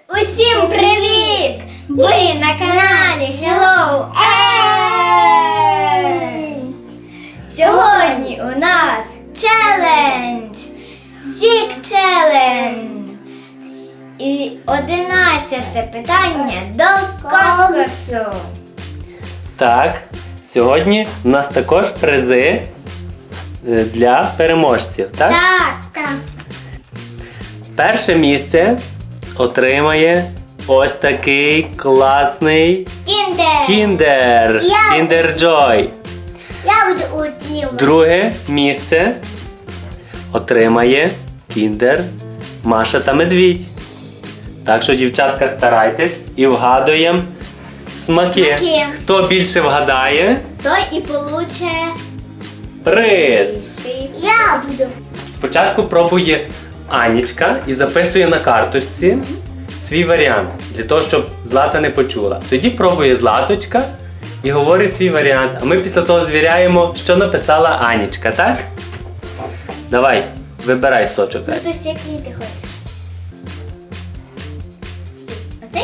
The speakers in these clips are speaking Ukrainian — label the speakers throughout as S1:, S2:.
S1: Усім привіт! Ви на каналі Hello End! Сьогодні у нас челендж! Сік челендж! І 11-те питання до конкурсу!
S2: Так, сьогодні у нас також призи для переможців, так?
S1: Так!
S2: Перше місце отримає ось такий класний
S1: Кіндер!
S2: Kinder Joy.
S1: Я буду утримувати.
S2: Друге місце отримає Kinder Маша та Медвідь. Так що, дівчатка, старайтесь і вгадуємо смаки. Хто більше вгадає,
S1: Той і получе
S2: приз.
S1: Я буду.
S2: Спочатку пробує Анічка і записує на карточці свій варіант, для того, щоб Злата не почула. Тоді пробує Златочка і говорить свій варіант, а ми після того звіряємо, що написала Анічка, так? Давай, вибирай сочок.
S1: Хтось який ти хочеш? Оцей?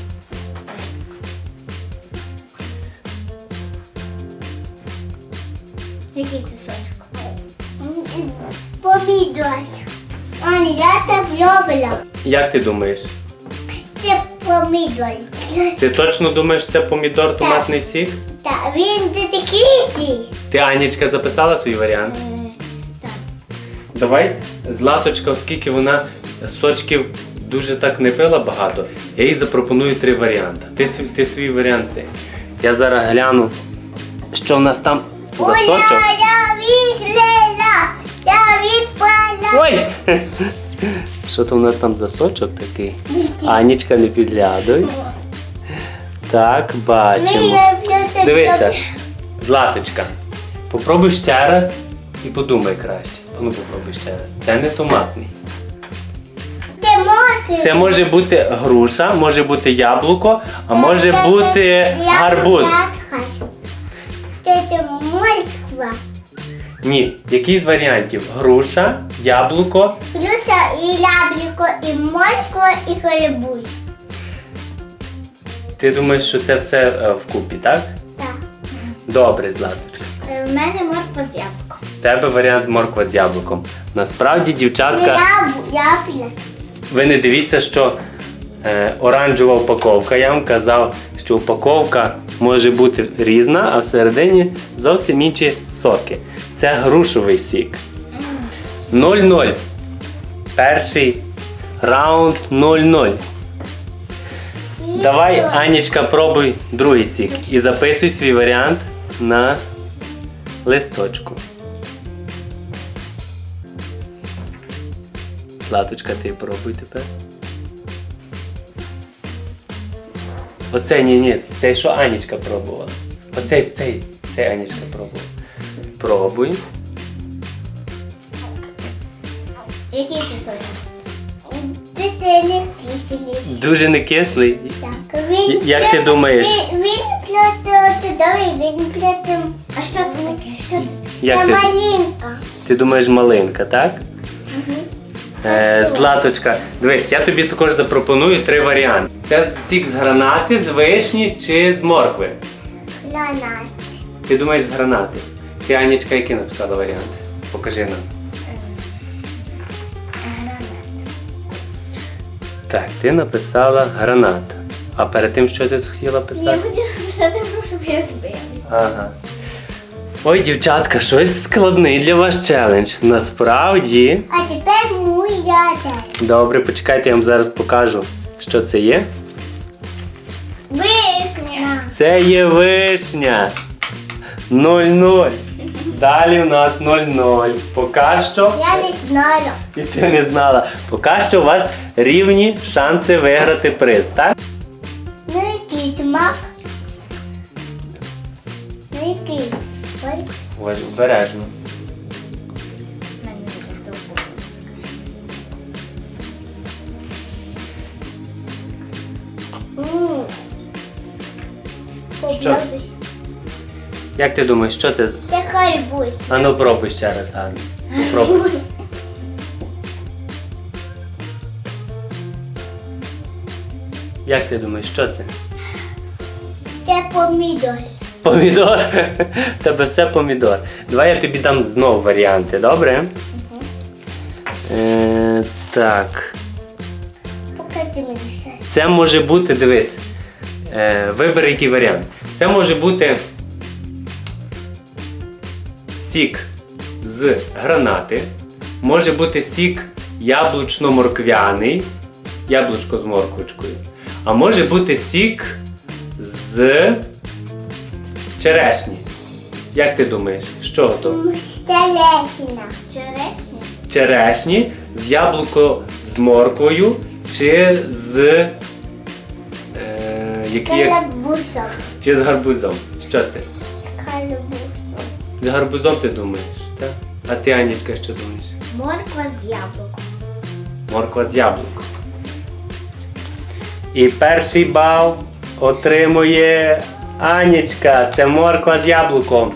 S1: Який це сочок? Помідор. Аня, я так люблю.
S2: Як ти думаєш?
S1: Це помідор.
S2: Ти точно думаєш, це помідор, томатний сік?
S1: Так, він дуже кислий.
S2: Ти, Анічка, записала свій варіант?
S1: Так.
S2: Давай, Златочка, оскільки вона сочків дуже так не пила багато, я їй запропоную 3 варіанти. Ти свій варіант цей. Я зараз гляну, що в нас там за сочок.
S1: Я відлила, я відпала.
S2: Ой! Що то в нас там за сочок такий? Анічка, не підглядуй. Так, бачимо. Дивися, Златочка, попробуй ще раз і подумай краще. Ну, попробуй ще раз. Це не томатний. Це може бути груша, може бути яблуко, а може бути гарбуз.
S1: Це морква.
S2: Ні, який з варіантів? Груша, яблуко.
S1: Груша і яблуко, і морква, і гарбуз.
S2: Ти думаєш, що це все вкупі, так?
S1: Так.
S2: Добре, Златочка.
S1: В мене морква з яблуком.
S2: В тебе варіант морква з яблуком. Насправді, дівчатка,
S1: Яблуко.
S2: ви не дивіться, що оранжева упаковка. Я вам казав, що упаковка може бути різна, а всередині зовсім інші соки. Це грушовий сік. 0-0. Перший раунд 0-0. Давай, Анічка, пробуй другий сік і записуй свій варіант на листочку. Златочка, ти пробуй тепер. Оцей, ні, цей, що Анічка пробувала. Цей Анічка пробувала. Пробуй.
S1: Який це сочок? Це не кислий.
S2: Дуже не кислий.
S1: Так,
S2: Як ти думаєш?
S1: Він чудовий, він плюс... А що це таке? Що це таке?
S2: Як
S1: Це
S2: ти-
S1: малинка.
S2: Ти думаєш малинка, так? Златочка, дивись, я тобі також запропоную 3 варіанти. Це сік з гранати, з вишні чи з моркви?
S1: Гранат.
S2: Ти думаєш з гранати? Ти, Анічка, які написала варіанти? Покажи нам.
S1: Гранат.
S2: Так, ти написала гранат. А перед тим, що ти хотіла
S1: Я
S2: писати?
S1: хотіла писати, щоб я збилась.
S2: Ага. Ой, дівчатка, щось складний для вас челендж. Насправді.
S1: А тепер моя день.
S2: Добре, почекайте, я вам зараз покажу, що це є.
S1: Вишня.
S2: Це є вишня. 0-0. Далі у нас 0-0. Поки що.
S1: Я не знаю.
S2: І ти не знала. Поки що у вас рівні шанси виграти приз, так?
S1: Ну який смак? Ну який? Ой.
S2: Ось, обережно. Що? Як ти думаєш, що це?
S1: Це гарбуз.
S2: А ну пробуй ще раз, Ганна. Попробуй.
S1: Гарбуз.
S2: Як ти думаєш, що це?
S1: Це помідор.
S2: Помідор? В тебе все помідор. Давай я тобі дам знову варіанти, добре? Так.
S1: Покажи мені щось.
S2: Це може бути, дивись. Вибери який варіант. Це може бути сік з гранати. Може бути сік яблучно-морквяний. Яблучко з морквочкою. А може бути сік з черешні. Як ти думаєш, що то?
S1: Стелесина. Черешня.
S2: Черешні з яблуко з морквою чи з
S1: Калабусом.
S2: чи з гарбузом? Що це?
S1: З калабусом.
S2: З гарбузом ти думаєш, так? А ти, Анічка, що думаєш?
S1: Морква з яблуком.
S2: Морква з яблуком. І перший бал отримує Анічка. Це морква з яблуком.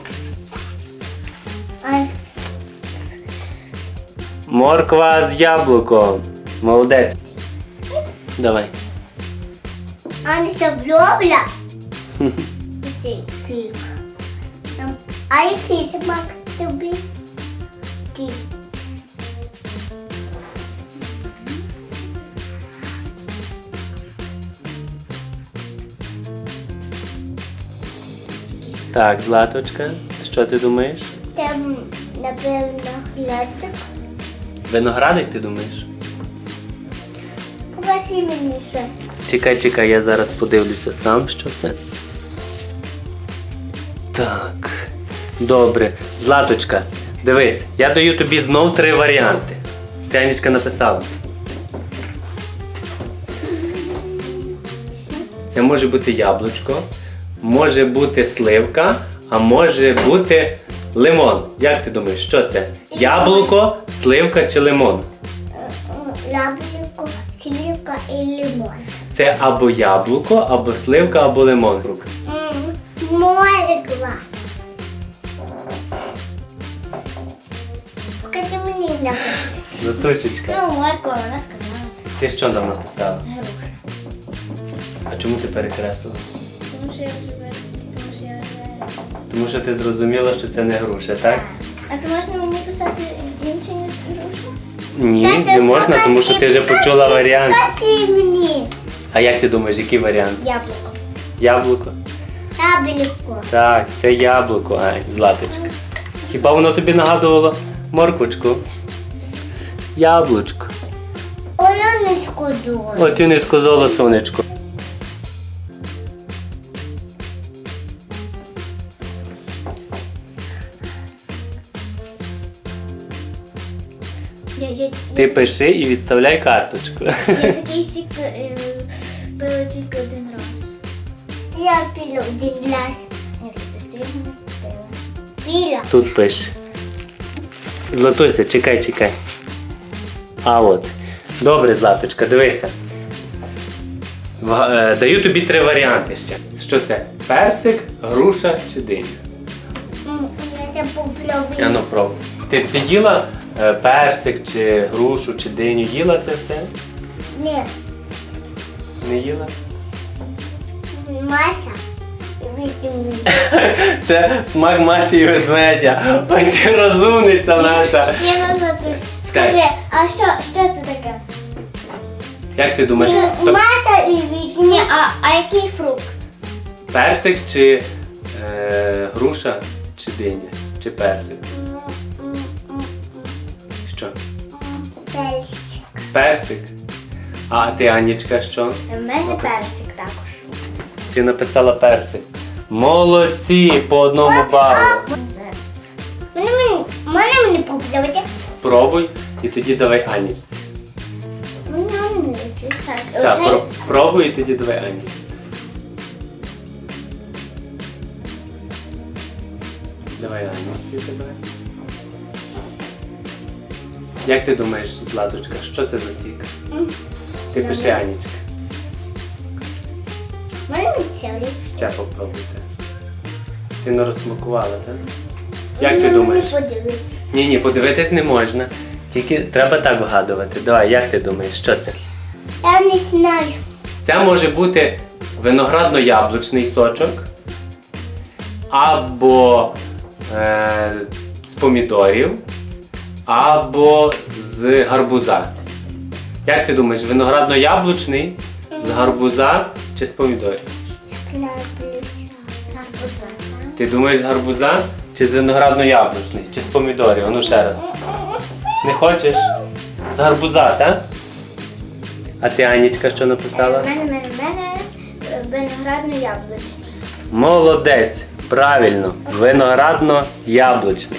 S1: А
S2: Морква з яблуком. Молодець. Давай.
S1: Аня блобля. Цей сік. А який смак тобі? Який?
S2: Так, Златочка, що ти думаєш?
S1: Там, напевно, глядик.
S2: Виноградик, ти думаєш?
S1: Покажи мені щось.
S2: Чекай, я зараз подивлюся сам, що це. Так. Добре. Златочка, дивись, я даю тобі знов 3 варіанти. Ти, Анічка, написала. Це може бути яблучко, може бути сливка, а може бути лимон. Як ти думаєш, що це? Яблуко, сливка чи лимон?
S1: Яблуко, сливка і лимон.
S2: Це або яблуко, або сливка, або лимон.
S1: Морква. Покажи мені на.
S2: Златусечка,
S1: Ну, морква, вона сказала.
S2: ти що нам написала?
S1: Груша.
S2: А чому ти перекреслила?
S1: Тому що я вже
S2: Тому що ти зрозуміла, що це не груша, так?
S1: А то можна мені писати інше, ніж груша?
S2: Ні, не можна, тому що ти вже почула варіант.
S1: Покажи мені.
S2: А як ти думаєш, який варіант?
S1: Яблуко.
S2: Яблуко?
S1: Яблуко.
S2: Так, це яблуко, ай, Златочка. Хіба воно тобі нагадувало морквочку? Яблучко.
S1: Оленочку дуже.
S2: О, ти не сказала, сонечко. Ти пиши і відставляй карточку.
S1: Я такий сік пила тільки один раз. Я пила один раз. Пила.
S2: Тут пиш. Златуся, чекай. А от. Добре, Златочка, дивися. Даю тобі 3 варіанти ще. Що це? Персик, груша чи диня?
S1: Я ще попробую.
S2: Я пробуй. Ти їла персик, чи грушу, чи диню? Їла це все?
S1: Ні,
S2: Не їла?
S1: Мася. Витягни.
S2: Це смак Маші і ведмедя. Ой, ти розумниця наша.
S1: Я назад. Скажи, а що це таке?
S2: Як ти думаєш?
S1: Маса і вітні. Ні, а який фрукт?
S2: Персик чи груша, чи диня? Чи персик? Що?
S1: Персик.
S2: Персик? А ти, Анічка, що?
S1: У мене персик також.
S2: Ти написала персик. Молодці, по 1 балу.
S1: Можна мені попробувати?
S2: Пробуй і тоді давай Анічці. Так,
S1: Оцей?
S2: пробуй і тоді давай Анічці. Давай Анічці тебе. Як ти думаєш, Златочка, що це за сік? Ти пиши Анічка.
S1: Можна мені цілий?
S2: Ще попробуйте. Ти не розсмакувала, так? Як ти думаєш?
S1: Мені подивитися.
S2: Ні, подивитись не можна. Тільки треба так вгадувати. Давай, як ти думаєш, що це?
S1: Я не знаю.
S2: Це може бути виноградно-яблучний сочок, або з помідорів, або з гарбуза. Як ти думаєш, виноградно-яблучний з гарбуза чи з помідорів?
S1: Гарбуза.
S2: Ти думаєш з гарбуза чи з виноградно-яблучний, чи з помідорів? Ну ще раз. Не хочеш? З гарбуза, так? А ти, Анічка, що написала?
S1: У мене виноградно-яблучний.
S2: Молодець! Правильно! Виноградно-яблучний.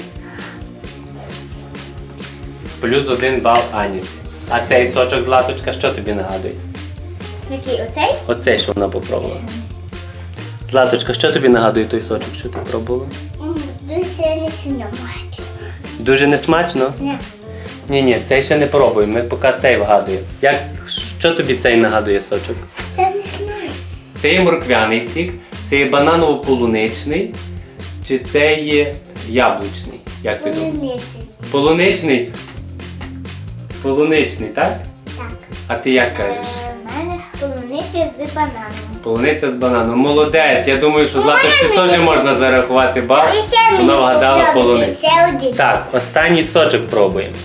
S2: Плюс 1 бал Анічці. А цей сочок Златочка що тобі нагадує?
S1: Який? Оцей?
S2: Оцей, що вона попробувала. Златочка, що тобі нагадує той сочок, що ти пробувала?
S1: Дуже не сильно.
S2: Дуже несмачно?
S1: Ні.
S2: Ні, цей ще не пробуємо, ми поки цей вгадуємо. Що тобі цей нагадує сочок?
S1: Я не знаю.
S2: Це є морквяний сік, це є бананово-полуничний, чи це є яблучний? Як ти думаєш? Полуничний? Полуничний, так?
S1: Так.
S2: А ти як кажеш?
S1: У мене полуниця з бананом.
S2: Полуниця з бананом. Молодець! Я думаю, що Златочці теж можна зарахувати бал. Вона вгадала полуницю.
S1: Ще один.
S2: Так, останній сочок пробуємо.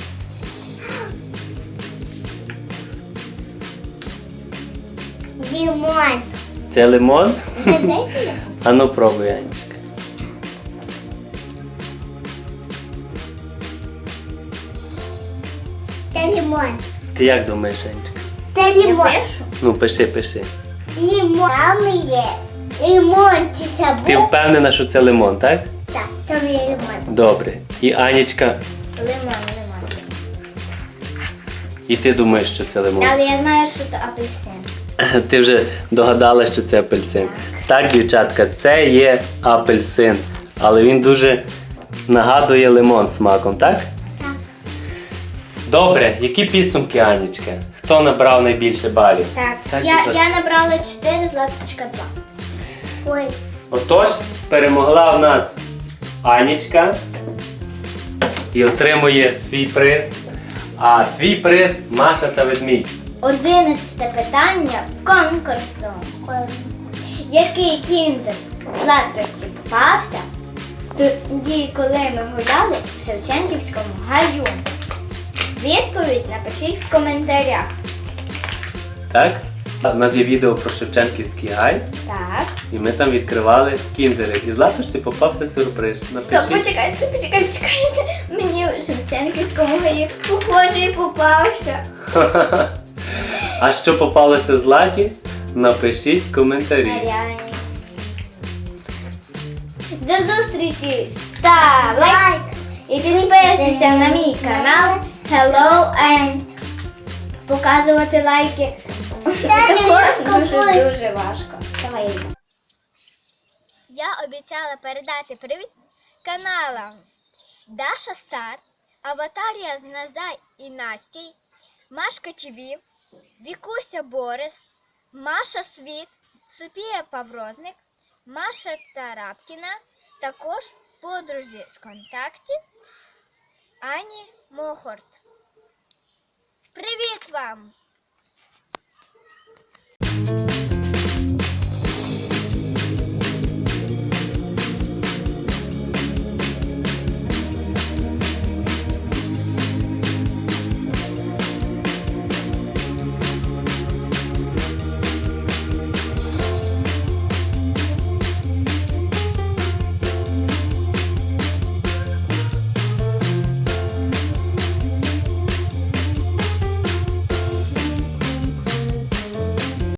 S1: Лимон.
S2: Це лимон?
S1: Дайте я.
S2: А ну пробуй, Анечка.
S1: Це лимон.
S2: Ти як думаєш, Анечка?
S1: Це лимон.
S2: Ну, пиши.
S1: Лимон. Там є. Лимон це
S2: Ти
S1: сабу.
S2: впевнена, що це лимон, так?
S1: Так, там є лимон.
S2: Добре. І Анечка,
S1: Лимон.
S2: і ти думаєш, що це лимон.
S1: Але я знаю, що це апельсин.
S2: Ти вже догадалась, що це апельсин. Так, дівчатка, це є апельсин. Але він дуже нагадує лимон смаком, так?
S1: Так.
S2: Добре, які підсумки, Анечка? Хто набрав найбільше балів?
S1: Так.
S2: Так,
S1: Я,
S2: будь ласка.
S1: я набрала 4, Златочка 2. Ой.
S2: Отож, перемогла в нас Анечка і отримує свій приз. А твій приз Маша та ведмідь.
S1: 11 питання конкурсу. Який кіндер Златочці попався тоді, коли ми гуляли в Шевченківському гаю? Відповідь напишіть в коментарях.
S2: Так? У нас є відео про Шевченківський гай,
S1: Так.
S2: і ми там відкривали кіндери. І Златочці попався сюрприз.
S1: Стоп, почекайте. Мені в Шевченківському гаї похожий попався.
S2: А що попалося Златі? Напишіть в коментарі.
S1: Реально. До зустрічі! Став лайк і підписуйся на мій канал Hello and показувати лайки. Також дуже важко. Давай. Я обіцяла передати привіт каналам Даша Стар, Аватарія з Назай і Настій, Машка ТВ, Вікуся Борис, Маша Світ, Софія Паврозник, Маша Царапкіна, також подрузі з контактів Ані Мохорт. Привіт вам!